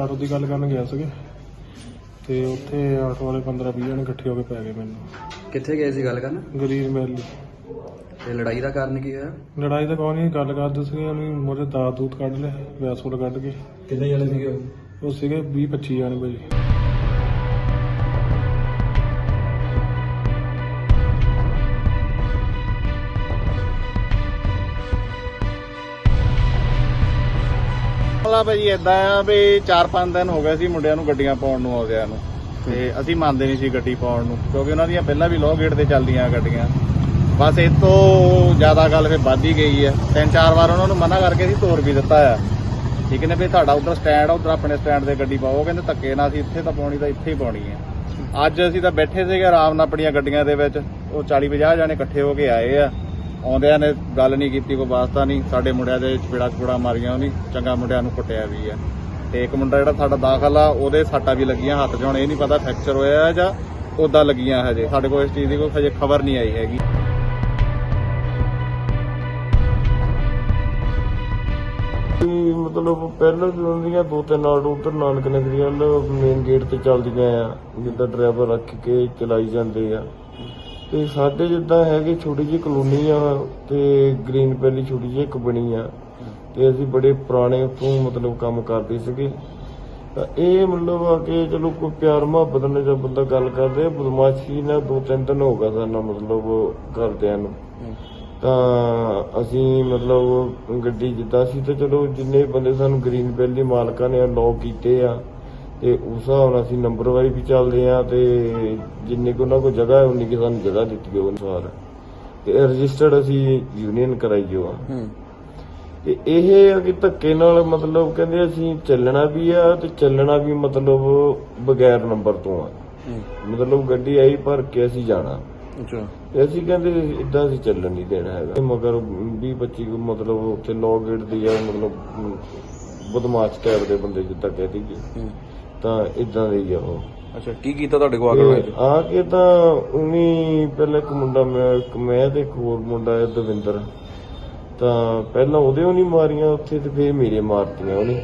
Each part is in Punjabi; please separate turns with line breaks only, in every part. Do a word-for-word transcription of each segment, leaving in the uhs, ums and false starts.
ਆਟੋ ਦੀ ਗੱਲ ਕਰਨ ਗਿਆ ਸੀਗੇ ਤੇ ਉੱਥੇ ਆਟੋ ਵਾਲੇ ਪੰਦਰਾਂ ਵੀਹ ਜਣੇ ਇਕੱਠੇ ਹੋ ਕੇ ਪੈ ਗਏ ਮੈਨੂੰ।
ਕਿੱਥੇ ਗਏ ਸੀ ਗੱਲ ਕਰਨ?
ਗਰੀਬ ਮੈਲੀ।
ਤੇ ਲੜਾਈ ਦਾ ਕਾਰਨ ਕੀ ਹੋਇਆ?
ਲੜਾਈ ਤਾਂ ਕੋਈ ਨਹੀਂ, ਗੱਲ ਕਰਦੇ ਸੀਗੇ ਉਹਨੇ ਮੋਰੇ ਦਾਤ ਦੂਤ ਕੱਢ ਲਿਆ, ਵੈਸੋਲ ਕੱਢ ਕੇ।
ਕਿੰਨੇ ਜਣੇ ਸੀਗੇ ਉਹ?
ਉਹ ਸੀਗੇ ਵੀਹ ਪੱਚੀ ਜਣੇ ਭਾਜੀ।
ਮਸਲਾ ਭਾਜੀ ਏਦਾਂ ਆ ਵੀ ਚਾਰ ਪੰਜ ਦਿਨ ਹੋ ਗਏ ਸੀ ਮੁੰਡਿਆਂ ਨੂੰ ਗੱਡੀਆਂ ਪਾਉਣ ਨੂੰ ਆਉਂਦਿਆਂ ਨੂੰ, ਤੇ ਅਸੀਂ ਮੰਨਦੇ ਨਹੀਂ ਸੀ ਗੱਡੀ ਪਾਉਣ ਨੂੰ ਕਿਉਂਕਿ ਉਹਨਾਂ ਦੀਆਂ ਪਹਿਲਾਂ ਵੀ ਲੋਅ ਗੇਟ ਤੇ ਚੱਲਦੀਆਂ ਗੱਡੀਆਂ। ਬਸ ਇਹ ਤੋਂ ਜ਼ਿਆਦਾ ਗੱਲ ਫਿਰ ਵੱਧ ਹੀ ਗਈ ਹੈ। ਤਿੰਨ ਚਾਰ ਵਾਰ ਉਹਨਾਂ ਨੂੰ ਮਨਾ ਕਰਕੇ ਅਸੀਂ ਤੋਰ ਵੀ ਦਿੱਤਾ ਆ, ਠੀਕ ਨੇ ਵੀ ਤੁਹਾਡਾ ਉੱਧਰ ਸਟੈਂਡ ਆ, ਉੱਧਰ ਆਪਣੇ ਸਟੈਂਡ ਤੇ ਗੱਡੀ ਪਾਓ। ਕਹਿੰਦੇ ਧੱਕੇ ਨਾਲ ਅਸੀਂ ਇੱਥੇ ਤਾਂ ਪਾਉਣੀ ਤਾਂ ਇੱਥੇ ਹੀ ਪਾਉਣੀ ਹੈ। ਅੱਜ ਅਸੀਂ ਤਾਂ ਬੈਠੇ ਸੀਗੇ ਆਰਾਮ ਨਾਲ ਆਪਣੀਆਂ ਗੱਡੀਆਂ ਦੇ ਵਿੱਚ, ਉਹ ਚਾਲੀ ਪੰਜਾਹ ਜਾਣੇ ਇਕੱਠੇ ਹੋ ਕੇ ਆਏ ਆ। ਆਉਂਦਿਆਂ ਨੇ ਗੱਲ ਨਹੀਂ ਕੀਤੀ, ਕੋਈ ਵਾਸਤਾ ਨਹੀਂ। ਸਾਡੇ ਮੁੰਡਿਆਂ ਦੇ ਚਪੇੜਾ ਚਪੂੜਾ ਮਾਰੀਆਂ ਉਹਨੇ, ਚੰਗਾ ਮੁੰਡਿਆਂ ਨੂੰ ਕੁੱਟਿਆ ਵੀ ਆ। ਤੇ ਇੱਕ ਮੁੰਡਾ ਜਿਹੜਾ ਸਾਡਾ ਦਾਖਲ ਆ ਉਹਦੇ ਸੱਟਾਂ ਵੀ ਲੱਗੀਆਂ ਹੱਥ 'ਚ। ਹੁਣ ਇਹ ਨਹੀਂ ਪਤਾ ਫ੍ਰੈਕਚਰ ਹੋਇਆ ਜਾਂ ਉੱਦਾਂ ਲੱਗੀਆਂ, ਹਜੇ ਸਾਡੇ ਕੋਲ ਇਸ ਚੀਜ਼ ਦੀ ਕੋਈ ਹਜੇ ਖਬਰ ਨਹੀਂ ਆਈ ਹੈਗੀ।
ਮਤਲਬ ਪਹਿਲਾਂ ਵੀ ਉਹਨਾਂ ਦੋ ਤਿੰਨ ਆਟੋ ਉੱਧਰ ਨਾਨਕ ਨਗਰੀ ਵੱਲ ਮੇਨ ਗੇਟ ਤੇ ਚੱਲਦੀਆਂ ਆ, ਜਿੱਦਾਂ ਡਰਾਈਵਰ ਰੱਖ ਕੇ ਚਲਾਈ ਜਾਂਦੇ ਆ। ਤੇ ਸਾਡੇ ਜਿੱਦਾਂ ਹੈਗੇ ਛੋਟੀ ਜਿਹੀ ਕਲੋਨੀ ਆ ਤੇ ਗ੍ਰੀਨ ਵੈਲੀ ਛੋਟੀ ਜਿਹੀ ਇੱਕ ਬਣੀ ਆ, ਤੇ ਅਸੀਂ ਬੜੇ ਪੁਰਾਣੇ ਉੱਥੋਂ ਮਤਲਬ ਕੰਮ ਕਰਦੇ ਸੀਗੇ। ਤਾਂ ਇਹ ਮਤਲਬ ਆ ਕਿ ਚਲੋ ਕੋਈ ਪਿਆਰ ਮੁਹੱਬਤ ਨਾਲ ਜਦ ਬੰਦਾ ਗੱਲ ਕਰਦੇ, ਬਦਮਾਸ਼ੀ ਨਾਲ ਦੋ ਤਿੰਨ ਦਿਨ ਹੋ ਗਿਆ ਸਾਨੂੰ ਮਤਲਬ ਘਰਦਿਆਂ ਨੂੰ। ਤਾਂ ਅਸੀਂ ਮਤਲਬ ਗੱਡੀ ਜਿੱਦਾਂ ਸੀ ਤੇ ਚਲੋ ਜਿੰਨੇ ਬੰਦੇ ਸਾਨੂੰ ਗ੍ਰੀਨ ਵੈਲੀ ਮਾਲਕਾਂ ਨੇ ਅਲਾਉ ਕੀਤੇ ਆ ਤੇ ਉਸ ਹਿਸਾਬ ਨਾਲ ਅਸੀਂ ਨੰਬਰ ਵਾਈਜ਼ ਵੀ ਚੱਲਦੇ ਆ, ਤੇ ਜਿੰਨੇ ਕੁ ਉਹਨਾਂ ਕੋਲ ਜਗ੍ਹਾ ਉਨੀ ਕਿ ਸਾਨੂੰ ਜਗ੍ਹਾ ਦਿੱਤੀ ਉਹ ਅਨੁਸਾਰ ਤੇ ਰਜਿਸਟਰਡ ਅਸੀਂ ਯੂਨੀਅਨ ਕਰਾਈ ਆ। ਤੇ ਇਹ ਆ ਕਿ ਧੱਕੇ ਨਾਲ ਮਤਲਬ ਕਹਿੰਦੇ ਅਸੀਂ ਚੱਲਣਾ ਵੀ ਆ ਤੇ ਚੱਲਣਾ ਵੀ ਮਤਲਬ ਬਗੈਰ ਨੰਬਰ ਤੋਂ ਆ। ਮਤਲਬ ਗੱਡੀ ਆਈ ਭਰ ਕੇ ਅਸੀਂ ਜਾਣਾ, ਤੇ ਅਸੀਂ ਕਹਿੰਦੇ ਏਦਾਂ ਅਸੀਂ ਚੱਲਣ ਨਹੀਂ ਦੇਣਾ ਹੈਗਾ। ਮਗਰ ਵੀਹ ਪੱਚੀ ਮਤਲਬ ਉੱਥੇ ਲੋਅ ਗੇਟ ਦੀ ਆ, ਮਤਲਬ ਬਦਮਾਸ਼ ਟਾਈਪ ਦੇ ਬੰਦੇ ਜਿੱਦਾਂ ਕਹਿ ਦਈਏ, ਤਾਂ ਇਦਾਂ ਦੇ ਹੀ ਆ ਉਹ।
ਅੱਛਾ, ਕੀ ਕੀਤਾ ਤੁਹਾਡੇ ਕੋਲ ਆ ਕੇ?
ਆ ਕੇ ਤਾਂ ਉਹਨੇ ਪਹਿਲਾਂ ਇੱਕ ਮੁੰਡਾ ਮੈਂ ਇੱਕ ਮੈਂ ਤੇ ਇੱਕ ਹੋਰ ਮੁੰਡਾ ਹੈ ਦਵਿੰਦਰ, ਤਾਂ ਪਹਿਲਾਂ ਉਹਦੇ ਉਹਨੇ ਮਾਰੀਆਂ ਉੱਥੇ ਤੇ ਫਿਰ ਮੇਰੇ ਮਾਰਤੀਆਂ ਉਹਨੇ।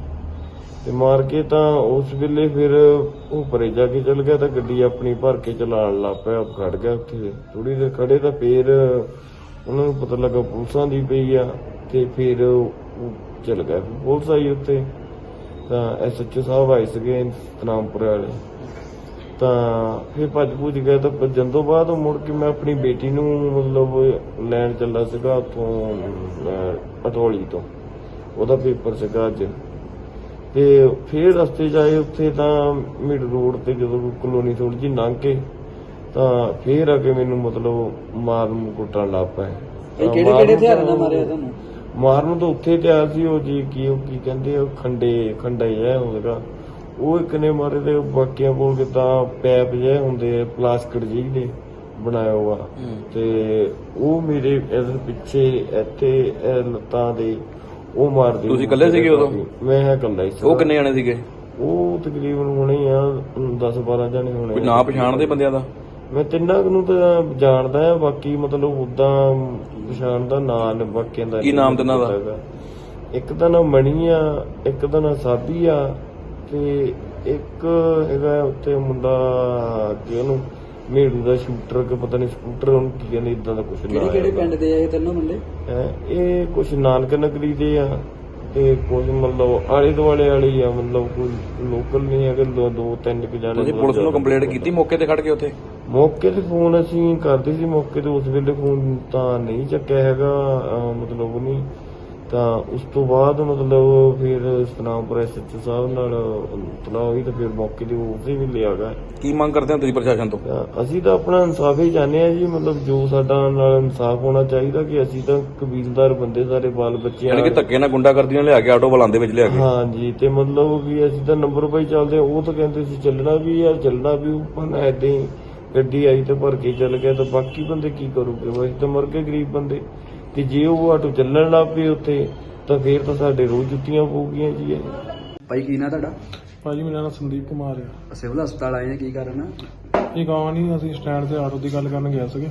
ਤੇ ਮਾਰ ਕੇ ਤਾਂ ਉਸ ਵੇਲੇ ਫਿਰ ਉਹ ਪਰੇ ਜਾ ਕੇ ਚਲ ਗਿਆ, ਤਾਂ ਗੱਡੀ ਆਪਣੀ ਭਰ ਕੇ ਚਲਾਉਣ ਲੱਗ ਪਿਆ। ਖੜ ਗਿਆ ਉੱਥੇ ਥੋੜੀ ਦੇਰ ਖੜੇ, ਤਾਂ ਫਿਰ ਉਹਨਾਂ ਨੂੰ ਪਤਾ ਲੱਗਾ ਪੁਲਿਸਾਂ ਦੀ ਪਈ ਆ, ਤੇ ਫਿਰ ਉਹ ਚਲ ਗਿਆ। ਪੁਲਿਸ ਆਈ ਉੱਥੇ, ਤਾਂ ਐਸ ਐਚ ਓ ਸਾਹਿਬ ਆਏ ਸੀਗੇ ਸਤਨਾਮਪੁਰ ਵਾਲੇ, ਤਾਂ ਫਿਰ ਭੱਜ ਭੁੱਜ ਗਿਆ। ਤਾਂ ਭੱਜਣ ਤੋਂ ਬਾਅਦ ਮੁੜ ਕੇ ਮੈਂ ਆਪਣੀ ਬੇਟੀ ਨੂੰ ਮਤਲਬ ਲੈਣ ਚੱਲਾ ਸੀਗਾ ਉੱਥੋਂ ਅਟੋਲੀ ਤੋਂ, ਉਹਦਾ ਪੇਪਰ ਸੀਗਾ ਅੱਜ। ਤੇ ਫਿਰ ਰਸਤੇ 'ਚ ਆਏ ਉੱਥੇ ਤਾਂ ਮਿਡ ਰੋਡ ਤੇ ਜਦੋਂ ਕਲੋਨੀ ਥੋੜੀ ਜਿਹੀ ਲੰਘ ਕੇ, ਤਾਂ ਫਿਰ ਆ ਕੇ ਮੈਨੂੰ ਮਤਲਬ ਮਾਰਨ ਕੁੱਟਣ ਲੱਗ ਪਏ।
ਕਿਹੜੇ ਕਿਹੜੇ ਹਥਿਆਰਾਂ ਨਾਲ ਮਾਰਿਆ ਤੁਹਾਨੂੰ?
ਮਾਰਨ ਤੋਂ ਉੱਥੇ ਤਿਆਰ ਸੀ ਉਹ ਜੀ ਕੀ ਉਹ ਕੀ ਕਹਿੰਦੇ ਉਹ ਖੰਡੇ ਖੰਡਾ ਹੀ ਹੈ ਉਹਦਾ, ਉਹ ਇੱਕ ਨੇ ਮਾਰੇ। ਤੇ ਬਾਕੀਆਂ ਕੋਲ ਕਿੱਦਾਂ ਪੈਪ ਜਿਹੇ ਹੁੰਦੇ ਪਲਾਸਟਿਕ ਜਿਹੀ ਦੇ ਬਣਾਇਆ ਹੋਆ, ਤੇ ਉਹ ਮੇਰੇ ਇਹਦੇ ਪਿੱਛੇ ਇੱਥੇ ਲੱਤਾਂ ਦੇ ਉਹ ਮਾਰਦੇ।
ਤੁਸੀਂ ਇਕੱਲੇ ਸੀਗੇ ਉਦੋਂ?
ਮੈਂ ਹੈ ਇਕੱਲਾ ਹੀ ਸੀ।
ਉਹ ਕਿੰਨੇ ਜਣੇ ਸੀਗੇ?
ਉਹ ਤਕਰੀਬਨ ਹੋਣੇ ਆ ਦਸ ਬਾਰਾਂ ਜਣੇ ਹੋਣੇ।
ਕੋਈ ਨਾਂ ਪਛਾਣਦੇ ਬੰਦਿਆਂ ਦਾ?
ਮੈਂ ਤਿੰਨਾਂ ਨੂੰ ਤਾਂ ਜਾਣਦਾ ਆ, ਬਾਕੀ ਮਤਲਬ ਉਦਾਂ ਪਛਾਣ ਦਾ ਨਾਂ ਨੇ ਬਾਕੀਆਂ ਦਾ।
ਕੀ ਨਾਮ ਤਿੰਨਾਂ ਦਾ?
ਇੱਕ ਦਾ ਨਾਮ ਮਣੀ ਆ, ਇੱਕ ਦਾ ਨਾਮ ਸਾਬੀ ਆ, ਤੇ ਇੱਕ ਹੈਗਾ ਉੱਥੇ ਮੁੰਡਾ ਕਿ ਉਹਨੂੰ ਮੇੜੂ ਦਾ ਸ਼ੂਟਰ ਕਿ ਪਤਾ ਨਹੀਂ ਸਕੂਟਰ ਉਹਨੂੰ ਕੀ ਕਹਿੰਦੇ, ਇਦਾਂ ਦਾ ਕੁਛ ਨਾ।
ਕਿਹੜੇ ਕਿਹੜੇ ਪਿੰਡ ਦੇ ਆ ਇਹ ਤਿੰਨੋਂ ਮੁੰਡੇ?
ਇਹ ਕੁਛ ਨਾਨਕ ਨਗਰੀ ਦੇ ਆ, ਤੇ ਕੁਝ ਮਤਲਬ ਆਲੇ ਦੁਆਲੇ ਵਾਲੇ ਆ, ਮਤਲਬ ਕੋਈ ਲੋਕਲ ਨਹੀਂ ਹੈਗੇ। ਦੋ ਦੋ ਤਿੰਨ ਕੁ ਜਾਣੇ।
ਤੁਸੀਂ ਪੁਲਿਸ ਨੂੰ ਕੰਪਲੇਂਟ ਕੀਤੀ ਮੌਕੇ ਤੇ ਖੜ ਕੇ ਉੱਥੇ?
ਮੌਕੇ ਤੇ ਫੋਨ ਅਸੀਂ ਕਰਦੇ ਸੀ, ਮੌਕੇ ਤੇ ਉਸ ਵੇਲੇ ਫੋਨ ਤਾਂ ਨਹੀਂ ਚੱਕਿਆ ਹੈਗਾ ਮਤਲਬ ਨਹੀਂ। ਤਾਂ ਉਸ ਤੋਂ ਬਾਅਦ ਮਤਲਬ ਫਿਰ ਸਤਨਾਮਪੁਰ ਐਸ ਐਚ ਓ ਸਾਹਿਬ ਨਾਲ ਤਲਾਹ ਹੋਈ, ਤਾਂ ਫਿਰ ਮੌਕੇ ਤੇ ਉਸੇ ਵੀ ਲਿਆ ਗਿਆ।
ਕੀ ਮੰਗ ਕਰਦੇ ਹੋ ਤੁਸੀਂ ਪ੍ਰਸ਼ਾਸਨ ਤੋਂ?
ਅਸੀਂ ਤਾਂ ਆਪਣਾ ਇਨਸਾਫ ਹੀ ਚਾਹੁੰਦੇ ਆ ਜੀ, ਮਤਲਬ ਜੋ ਸਾਡਾ ਨਾਲ ਇਨਸਾਫ ਹੋਣਾ ਚਾਹੀਦਾ, ਕਿ ਅਸੀਂ ਤਾਂ ਕਬੀਲਦਾਰ ਬੰਦੇ ਸਾਰੇ ਬਾਲ ਬੱਚੇ
ਯਾਨੀ ਕਿ ਧੱਕੇ ਨਾਲ ਗੁੰਡਾਗਰਦੀਆਂ ਲਿਆ ਕੇ ਆਟੋ ਬਲਾਂਦੇ ਵਿੱਚ ਲਿਆ ਕੇ?
ਹਾਂਜੀ, ਤੇ ਮਤਲਬ ਵੀ ਅਸੀਂ ਤਾਂ ਨੰਬਰ ਪਾਈ ਚੱਲਦੇ। ਉਹ ਤਾਂ ਕਹਿੰਦੇ ਸੀ ਚੱਲਣਾ ਵੀ ਆ ਚੱਲਣਾ ਵੀ, ਉੱਪਰ ਏਦਾਂ ਹੀ ਗੱਡੀ ਆਈ ਤੇ ਭਰ ਕੇ ਚੱਲ ਗਿਆ। ਤਾਂ ਬਾਕੀ ਬੰਦੇ ਕੀ ਕਰੂਗੇ? ਅਸੀਂ ਤਾਂ ਮਰ ਗਏ ਗਰੀਬ ਬੰਦੇ। ਤੇ ਜੇ ਉਹ ਆਟੋ ਚੱਲਣ ਲੱਗ ਪਏ ਉੱਥੇ, ਤਾਂ ਫੇਰ ਤਾਂ ਸਾਡੇ ਰੋਜ਼ ਜੁੱਤੀਆਂ ਪਊਗੀਆਂ ਜੀ।
ਭਾਈ ਕੀ ਨਾਂ ਤੁਹਾਡਾ?
ਭਾਜੀ ਮੇਰਾ ਨਾਮ ਸੰਦੀਪ ਕੁਮਾਰ ਆ।
ਸਿਵਲ ਹਸਪਤਾਲ ਆਏ ਆ, ਕੀ ਕਾਰਨ ਆ?
ਇਹ ਗਾਂ ਨਹੀਂ, ਅਸੀਂ ਸਟੈਂਡ ਤੇ ਆਟੋ ਦੀ ਗੱਲ ਕਰਨ ਗਿਆ ਸੀਗੇ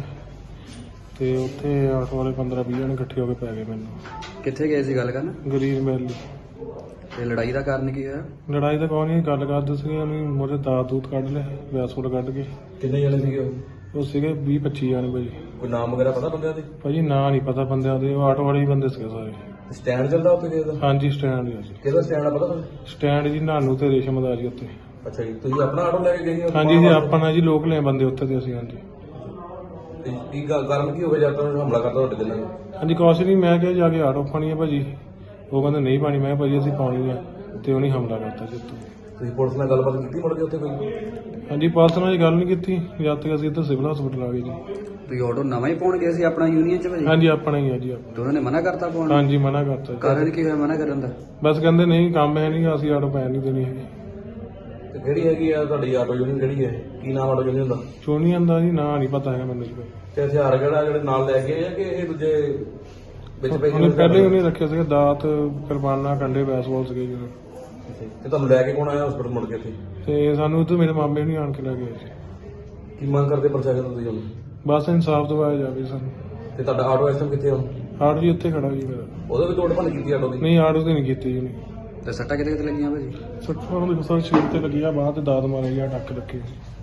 ਤੇ ਉੱਥੇ ਆਟੋ ਵਾਲੇ ਪੰਦਰਾਂ ਵੀਹ ਜਣੇ ਇਕੱਠੇ ਹੋ ਕੇ ਪੈ ਗਏ ਮੈਨੂੰ।
ਕਿੱਥੇ ਗਏ ਸੀ ਗੱਲ ਕਰਨ?
ਗਰੀਬ ਮੈਲੀ।
ਤੇ ਲੜਾਈ ਦਾ ਕਾਰਨ ਕੀ ਹੋਇਆ?
ਲੜਾਈ ਤਾਂ ਕੋਈ ਨਹੀਂ, ਗੱਲ ਕਰਦੇ ਸੀਗੇ, ਉਹਨੇ ਮੋਰੇ ਦਾਤ ਦੂਤ ਕੱਢ ਲਿਆ, ਵੈਸੋਲ ਕੱਢ ਕੇ।
ਕਿੰਨੇ ਜਣੇ ਸੀਗੇ ਉਹ?
ਉਹ ਸੀਗੇ ਵੀਹ ਪੱਚੀ ਜਾਣੇ ਭਾਜੀ।
ਕੋਈ ਨਾਮ ਵਗੈਰਾ ਪਤਾ ਬੰਦਿਆਂ ਦੇ?
ਭਾਜੀ ਨਾਂ ਨਹੀਂ ਪਤਾ ਬੰਦਿਆਂ ਦੇ, ਉਹ ਆਟੋ ਵਾਲੇ ਹੀ ਬੰਦੇ ਸੀਗੇ ਸਾਰੇ।
ਸਟੈਂਡ ਚੱਲਦਾ ਉੱਥੇ ਕਿਹਦਾ?
ਹਾਂਜੀ ਸਟੈਂਡ ਹੀ ਆ ਜੀ।
ਕਿਹਦਾ ਸਟੈਂਡ ਆ ਪਤਾ ਤੁਹਾਨੂੰ?
ਸਟੈਂਡ ਜੀ ਨਾਨੂ ਤੇ ਰੇਸ਼ਮ ਦਾ ਜੀ ਉੱਥੇ।
ਅੱਛਾ ਜੀ, ਤੁਸੀਂ ਆਪਣਾ ਆਟੋ ਲੈ ਕੇ ਗਏ ਸੀ?
ਹਾਂਜੀ ਜੀ ਆਪਣਾ ਜੀ, ਲੋਕ ਲੈ ਬੰਦੇ ਉੱਥੇ ਤੇ ਅਸੀਂ। ਹਾਂਜੀ
ਤੇ ਕੀ ਗੱਲ- ਕਾਰਨ ਕੀ ਹੋ ਗਿਆ ਜਦ ਤੱਕ ਹਮਲਾ ਕਰਤਾ ਤੁਹਾਡੇ ਤੇ ਇਹਨਾਂ ਨੇ?
ਹਾਂਜੀ ਕੁਛ ਨਹੀਂ, ਮੈਂ ਕਿਹਾ ਜਾ ਕੇ ਆਟੋ ਪਾਣੀ ਆ ਭਾਜੀ, ਉਹ ਕਹਿੰਦੇ ਨਹੀਂ ਪਾਣੀ। ਮੈਂ ਕਿਹਾ ਭਾਜੀ ਅਸੀਂ ਪਾਣੀ ਆ, ਤੇ ਉਹਨੇ ਹਮਲਾ ਕਰਤਾ ਜੀ ਉੱਥੇ।
ਤੁਸੀਂ ਪੁਲਿਸ ਨਾਲ ਗੱਲਬਾਤ ਕੀਤੀ ਮੁੜ ਕੇ ਉੱਥੇ ਕੋਈ?
ਹਾਂਜੀ ਪੁਲਿਸ ਨਾਲ ਗੱਲ ਨਹੀਂ ਕੀਤੀ ਜਦ ਤੱਕ ਅਸੀਂ ਇੱਧਰ ਸਿਵਲ ਹਸਪੀਟਲ ਆ ਗਏ ਜੀ।
ਤੁਸੀਂ ਆਟੋ ਨਵਾਂ ਹੀ ਪਾਉਣ ਗਏ ਸੀ ਆਪਣਾ ਯੂਨੀਅਨ ਚ ਭਾਜੀ?
ਹਾਂਜੀ ਆਪਣਾ ਹੀ ਆ ਜੀ ਆਪਣਾ।
ਤੇ ਉਹਨਾਂ ਨੇ ਮਨਾ ਕਰਤਾ ਪਾਉਣ?
ਹਾਂਜੀ ਮਨਾ ਕਰਤਾ ਜੀ।
ਕਾਰਨ ਕੀ ਹੋਇਆ ਮਨਾ ਕਰਨ ਦਾ?
ਬਸ ਕਹਿੰਦੇ ਨਹੀਂ ਕੰਮ ਹੈ ਨਹੀਂ, ਅਸੀਂ ਆਟੋ ਪੈਣ ਨਹੀਂ ਦੇਣੀ ਹੈਗੀ।
ਤੇ ਕਿਹੜੀ ਹੈਗੀ ਆ ਤੁਹਾਡੀ ਆਟੋ ਯੂਨੀਅਨ ਕਿਹੜੀ ਹੈ? ਕੀ ਨਾਮ ਆਟੋ ਯੂਨੀਅਨ ਦਾ?
ਚੋਣੀਆਂ ਦਾ ਜੀ ਨਾਂ ਨਹੀਂ ਪਤਾ ਹੈਗਾ ਮੈਨੂੰ ਜੀ।
ਤੇ ਹਥਿਆਰ ਕਿਹੜਾ ਜਿਹੜੇ ਨਾਲ ਲੈ ਗਏ ਆ ਕਿ ਇਹ ਦੂਜੇ ਵਿੱਚ ਪਏ
ਉਹਨੇ ਪਹਿਲੇ ਹੀ ਉਹਨੇ ਰੱਖੇ ਸੀਗੇ ਦਾਤ, ਕਿਰਪਾਨਾਂ, ਕੰਡੇ, ਬੈਸਬਾਲ ਸੀਗੇ ਜੀ।
ਤੇ ਤੁਹਾਨੂੰ ਲੈ ਕੇ ਕੌਣ ਆਇਆ ਹਸਪੀਟਲ ਮੁੜ ਕੇ ਇੱਥੇ?
ਤੇ ਸਾਨੂੰ ਉੱਥੇ ਮੇਰੇ ਮਾਮੇ ਨਹੀਂ ਆਣ ਕੇ ਲੈ ਗਏ ਜੀ।
ਕੀ ਮੰਗ ਕਰਦੇ ਪ੍ਰਸ਼ਾਸਨ ਤੋਂ ਤੁਸੀਂ ਹੁਣ?
ਬਸ ਇਨਸਾਫ ਦਿਵਾਇਆ ਜਾਵੇ ਸਾਨੂੰ।
ਤੇ ਤੁਹਾਡਾ ਆਟੋ ਇਸ ਟਾਈਮ ਕਿੱਥੇ ਆ?
ਆਟੋ ਜੀ ਉੱਥੇ ਖੜਾ ਜੀ ਮੇਰਾ।
ਉਹਦੇ ਵੀ ਤੋੜ ਭੰਨ ਕੀਤੀ ਆਟੋ ਦੀ?
ਨਹੀਂ ਆਟੋ ਤੇ ਨਹੀਂ ਕੀਤੀ ਜੀ ਉਹਨੇ।
ਤੇ ਸੱਟਾਂ ਕਿਤੇ ਕਿਤੇ ਲੱਗੀਆਂ ਭਾਜੀ?
ਸੱਟਾਂ ਉਹਦੇ ਸਰ ਸ਼ੀਟ ਤੇ ਲੱਗੀ ਆ, ਬਾਅਦ ਤੇ ਦਾਤ ਮਾਰੇ ਗਿਆ, ਟੱਕ ਲੱਗੇ।